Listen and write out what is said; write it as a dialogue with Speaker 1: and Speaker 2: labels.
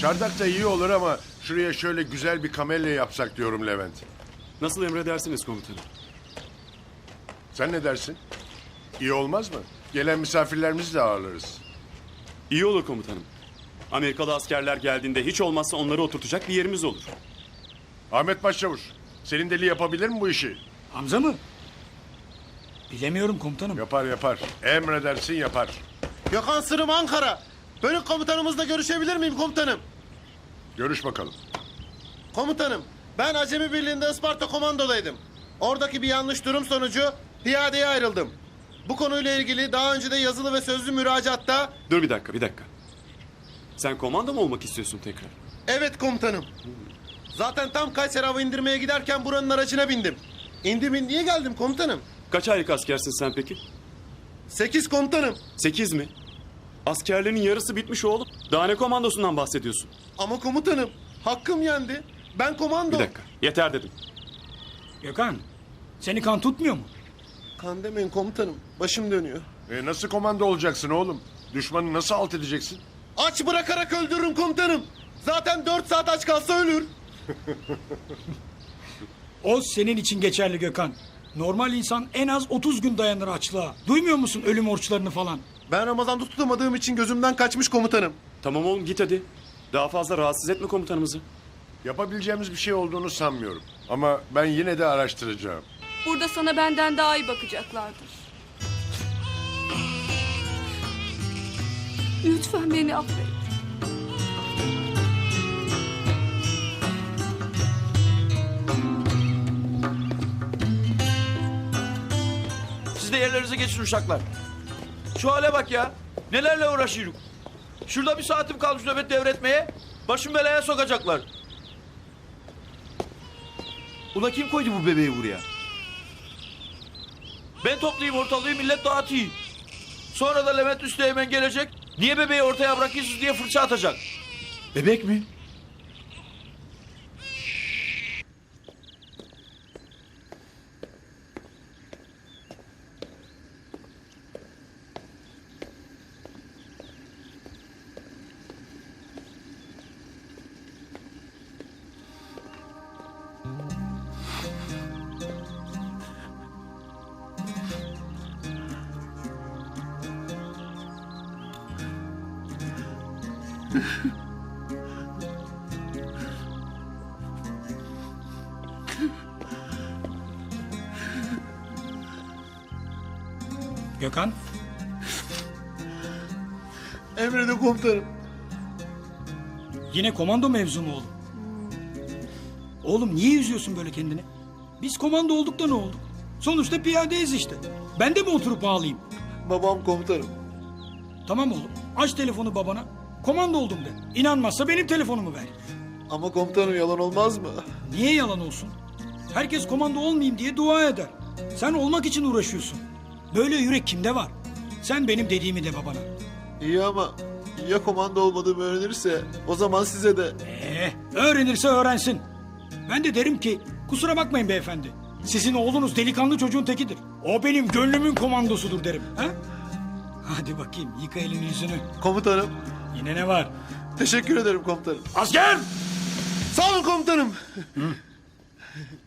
Speaker 1: Çardak da iyi olur ama şuraya şöyle güzel bir kamelya yapsak diyorum Levent.
Speaker 2: Nasıl emredersiniz komutanım?
Speaker 1: Sen ne dersin? İyi olmaz mı? Gelen misafirlerimizi de ağırlarız.
Speaker 2: İyi olur komutanım. Amerikalı askerler geldiğinde hiç olmazsa onları oturtacak bir yerimiz olur.
Speaker 1: Ahmet Başçavuş, senin deli yapabilir mi bu işi?
Speaker 3: Hamza mı? Bilemiyorum komutanım.
Speaker 1: Yapar yapar. Emredersin yapar.
Speaker 4: Gökhan Sırım Ankara. Bölük komutanımızla görüşebilir miyim komutanım?
Speaker 1: Görüş bakalım.
Speaker 4: Komutanım, ben Acemi Birliği'nde Isparta komandodaydım. Oradaki bir yanlış durum sonucu piyadeye ayrıldım. Bu konuyla ilgili daha önce de yazılı ve sözlü müracaatta...
Speaker 2: Dur bir dakika. Sen komando mu olmak istiyorsun tekrar?
Speaker 4: Evet komutanım. Zaten tam Kayseri hava indirmeye giderken buranın aracına bindim. Niye geldim komutanım?
Speaker 2: Kaç aylık askersin sen peki?
Speaker 4: 8 komutanım.
Speaker 2: 8 mi? Askerlerin yarısı bitmiş oğlum. Daha ne komandosundan bahsediyorsun?
Speaker 4: Ama komutanım, hakkım yendi. Ben komando.
Speaker 2: Bir dakika. Yeter dedim.
Speaker 3: Gökhan, seni kan tutmuyor mu?
Speaker 4: Kan demeyin komutanım. Başım dönüyor.
Speaker 1: Nasıl komando olacaksın oğlum? Düşmanı nasıl alt edeceksin?
Speaker 4: Aç bırakarak öldürürüm komutanım. Zaten 4 saat aç kalsa ölür.
Speaker 3: O senin için geçerli Gökhan. Normal insan en az 30 gün dayanır açlığa. Duymuyor musun ölüm orçlarını falan?
Speaker 4: Ben Ramazan'da tutamadığım için gözümden kaçmış komutanım.
Speaker 2: Tamam oğlum git hadi. Daha fazla rahatsız etme komutanımızı.
Speaker 1: Yapabileceğimiz bir şey olduğunu sanmıyorum. Ama ben yine de araştıracağım.
Speaker 5: Burada sana benden daha iyi bakacaklardır. Lütfen beni affet.
Speaker 6: Siz de yerlerinize geçin uşaklar. Şu hale bak ya. Nelerle uğraşıyoruz. Şurada bir saatim kalmış nöbet devretmeye. Başım belaya sokacaklar. Ula kim koydu bu bebeği buraya? Ben toplayayım ortalığı millet dağıtayım. Sonra da Levent Üsteğmen gelecek. Niye bebeği ortaya bırakıyorsunuz diye fırça atacak. Bebek mi?
Speaker 3: Gökhan,
Speaker 4: Emredin komutanım.
Speaker 3: yine komando mevzu mu oğlum? Oğlum niye üzüyorsun böyle kendini? Biz komando olduk da ne olduk? Sonuçta piyadeyiz işte. Ben de mi oturup ağlayayım?
Speaker 4: Babam komutanım.
Speaker 3: Tamam oğlum, aç telefonu babana. Komando oldum de. İnanmazsa benim telefonumu ver.
Speaker 4: Ama komutanım yalan olmaz mı?
Speaker 3: Niye yalan olsun? Herkes komando olmayayım diye dua eder. Sen olmak için uğraşıyorsun. Böyle yürek kimde var? Sen benim dediğimi de babana.
Speaker 4: İyi ama ya komando olmadığımı öğrenirse o zaman size de...
Speaker 3: Öğrenirse öğrensin. Ben de derim ki kusura bakmayın beyefendi. Sizin oğlunuz delikanlı çocuğun tekidir. O benim gönlümün komandosudur derim. Ha? Hadi bakayım yıka elini yüzünü.
Speaker 4: Komutanım,
Speaker 3: Yine ne var?
Speaker 4: teşekkür ederim komutanım.
Speaker 3: Asker!
Speaker 4: Sağ olun komutanım.